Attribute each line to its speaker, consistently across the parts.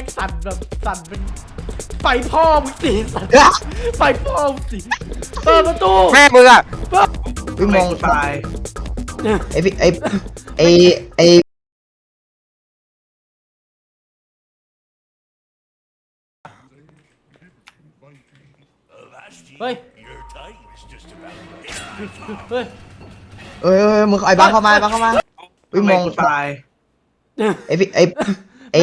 Speaker 1: งสั่นแบบสั่นเป็นไฟพ่อมึงสิสั่นไฟพ่อมึงสิเปิดประตู
Speaker 2: แม่มึงอ่ะ
Speaker 3: พี่มอง
Speaker 4: ตาย
Speaker 3: ไอพี่ไอ
Speaker 1: เฮ้ยเฮ้ย
Speaker 3: เอ้ยมึงไอ้บังเข้ามาบังเข้ามาพี่มอง
Speaker 4: ตาย
Speaker 3: ไอพี่ไอเ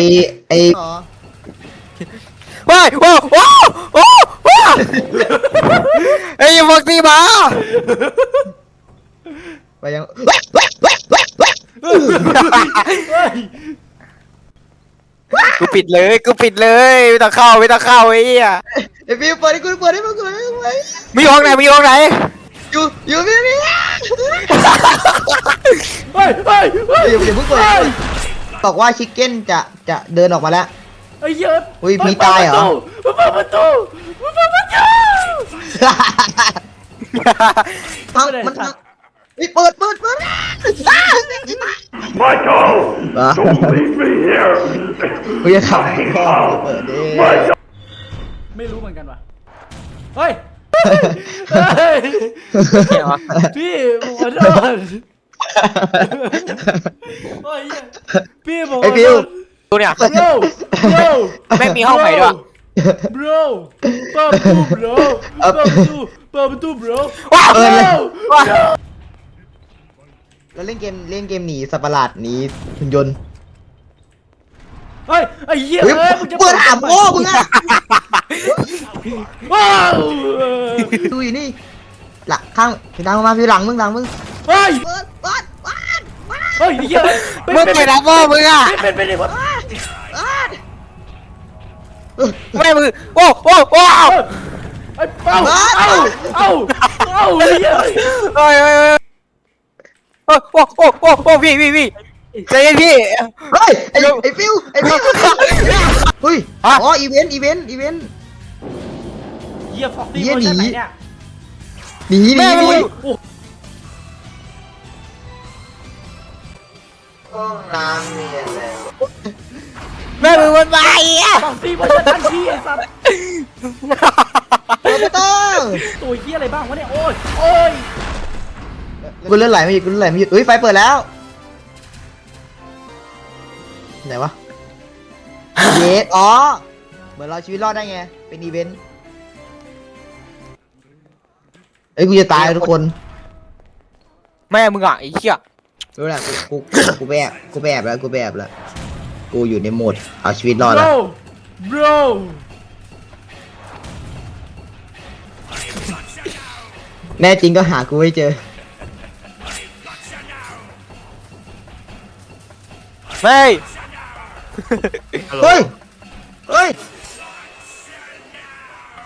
Speaker 2: ฮ้ยโอ้โอ้โอ้โอ้ไอ้พวกที่มา
Speaker 3: ไปยัง
Speaker 1: เฮ้ย
Speaker 2: กูปิดเลยไม่ต้องเข้าไอ้เหี้ย
Speaker 3: ไอพี่เปิดให้กูเปิดให้มึงเลย
Speaker 2: มีห้องไหน
Speaker 3: อยู่พี่
Speaker 1: เฮ้ยเฮ้ยเฮ้ย
Speaker 3: อย่าเพิ่งเปิดบอกว่าชิคเก้นจะเดินออกมาแล้ว
Speaker 1: ไอ้เหี้ย
Speaker 3: อุ้ยมีตายเหรอ
Speaker 1: เปิดประตูเปิดประตู
Speaker 3: มันเปิด
Speaker 5: Michael!
Speaker 3: อ่ะ
Speaker 5: Don't leave me here!
Speaker 3: กูจะขับพ่อเปิดดิ
Speaker 1: ไม่รู้เหมือนกันว่ะเฮ้ยเฮ้ยพี่ผมขอโทษเฮ้ยพี่ผมข
Speaker 3: ไอ
Speaker 1: อ
Speaker 3: ฟิ
Speaker 1: โท
Speaker 3: ว
Speaker 1: ษ
Speaker 2: ดูเนี่ย
Speaker 1: bro bro
Speaker 2: แม่งมีห้องใหม่ด้วย
Speaker 1: bro เปิดประตู bro เปิดประตู bro
Speaker 2: ว้าว
Speaker 1: bro
Speaker 3: เราเล่นเกมหนีสัตว์ประหลาดหนีหุ่นยนต์
Speaker 1: เฮ้ยไอ้เหี้ย
Speaker 3: เฮ้ย
Speaker 1: มึงจะ
Speaker 3: เปิดหาพ่อมึงอะ
Speaker 1: ว้าว
Speaker 3: ดูอยู่นี่หลังข้างพี่ดังมาพี่หลังมึง
Speaker 1: เฮ้ย
Speaker 3: เปิด
Speaker 1: เฮ้ยไอ้เหี้ย
Speaker 2: มึงไปรับพ่อมึงอ่ะ
Speaker 1: เป็นไงวะ
Speaker 2: แม่มึงโอ้โอ้โอ้
Speaker 1: ไอ้เป้าเอ้าไอ้เหี้ย
Speaker 2: โอ้ยโอ้โอ้โอ้โอ้โอ้พี่ใจเย็นพี่
Speaker 3: เฮ้ยไอ้ฟิวเฮ้ยอ๋ออีเวนต์
Speaker 1: เหี้ยฟ็อกซี่
Speaker 3: เหี้ย
Speaker 1: เวอร์ชัน
Speaker 3: หนี
Speaker 1: ไหนเนี่ย
Speaker 3: หนี
Speaker 1: โอ้
Speaker 3: น้ำเนี่ย
Speaker 2: แม่มึงมันไปอ่ะ
Speaker 1: ฟ็อกซี่เวอร์ชันทันทีไอ้สัตว์
Speaker 3: เปิดประตู
Speaker 1: ตัวเหี้ยอะไรบ้างวะเนี่ยโอ้ย
Speaker 3: กูเลื่อนไหลไม่หยุดเฮ้ยไฟเปิดแล้วไหนวะเยสอ๋อเหมือนเราชีวิตรอดได้ไงเป็นอีเวนต์เอ้ยกูจะตายทุกคน
Speaker 2: แม่มึงอ่ะไอ้เหี้ย
Speaker 3: รู้แหละกูไปแอบแล้วกูอยู่ในโหมดเอาชีวิตรอดแล้ว
Speaker 1: bro
Speaker 3: แน่จริงก็หากูไม่เจอ
Speaker 2: แม่
Speaker 3: เฮ้ย